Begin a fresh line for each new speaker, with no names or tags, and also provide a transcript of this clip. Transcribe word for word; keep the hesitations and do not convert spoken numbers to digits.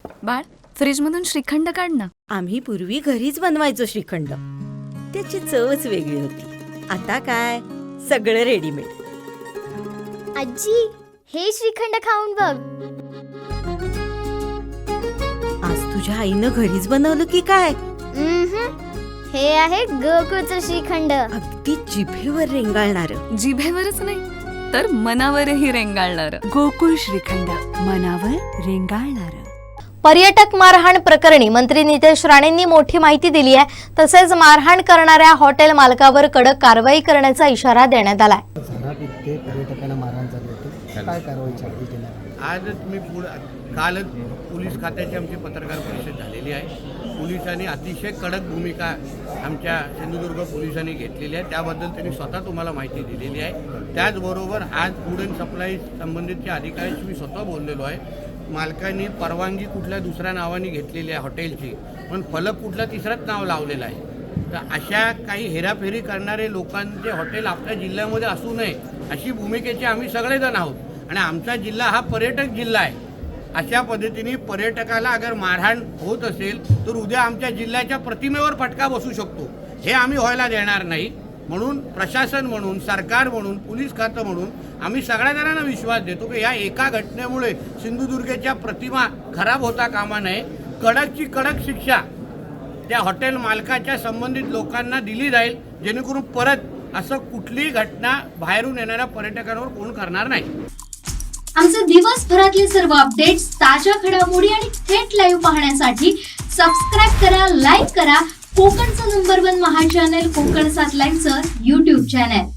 बाळ, फ्रीजमधून श्रीखंड काढ ना.
आम्ही पूर्वी घरीच बनवायचो श्रीखंड. त्याची चवच वेगळी होती. आता काय सगळं रेडीमेड.
आजी, हे श्रीखंड खाऊन बघ.
आज तुझ्या आईनं घरीच बनवलं की काय?
उम्हम. हे आहे गोकुळचं श्रीखंड.
अगदी जिभेवर रेंगाळणार.
जिभेवरच नाही तर मनावरही रेंगाळणार.
गोकुळ श्रीखंड, मनावर रेंगाळणार.
पर्यटक मारहाण प्रकरणी मंत्री नितेश राणेंनी मोठी माहिती दिली आहे. तसेच मारहाण करणाऱ्या हॉटेल मालकावर कडक कारवाई करण्याचा इशारा देण्यात आलाय.
पर्यटकांना मारहाण झाली होती, काय कारवाईची आधी केली?
आजच मी पुढं कालच पोलीस खात्याची आमची पत्रकार परिषद झालेली आहे. पोलिसांनी अतिशय कडक भूमिका आमच्या सिंधुदुर्ग पोलिसांनी घेतलेली आहे. त्याबद्दल त्यांनी स्वतः तुम्हाला माहिती दिलेली आहे. त्याचबरोबर आज फूड अँड सप्लाय संबंधितच्या अधिकाऱ्यांशी मी स्वतः बोललेलो आहे. मालकांनी परवानगी कुठल्या दुसऱ्या नावाने घेतलेली आहे हॉटेलची, पण फलक कुठला तिसरंच नाव लावलेलं आहे. तर अशा काही हेराफेरी करणारे लोकांचे हॉटेल आपल्या जिल्ह्यामध्ये असू नये अशी भूमिकेचे आम्ही सगळेजण आहोत. आणि आमचा जिल्हा हा पर्यटक जिल्हा आहे. अशा पद्धतीने पर्यटकाला अगर मारहाण होत असेल तर उद्या आमच्या जिल्ह्याच्या प्रतिमेवर फटका बसू शकतो. हे आम्ही व्हायला देणार नाही. म्हणून प्रशासन म्हणून, सरकार म्हणून, पोलीस खातं म्हणून आम्ही सगळ्या जणांना विश्वास देतो की या एका घटनेमुळे सिंधुदुर्गच्या प्रतिमा खराब होता कामा नये. कडकची कडक शिक्षा त्या हॉटेल मालकाच्या संबंधित लोकांना दिली जाईल, जेणेकरून परत असं कुठलीही घटना बाहेरून येणाऱ्या पर्यटकांवर कोण करणार नाही.
आमचे दिवसभरातले सर्व अपडेट्स, ताज्या घडामोडी आणि थेट लाईव्ह पाहण्यासाठी सबस्क्राईब करा, लाईक करा कोकणचं नंबर वन महा चॅनल कोकण सात लाईव्हचं यूट्यूब चॅनल.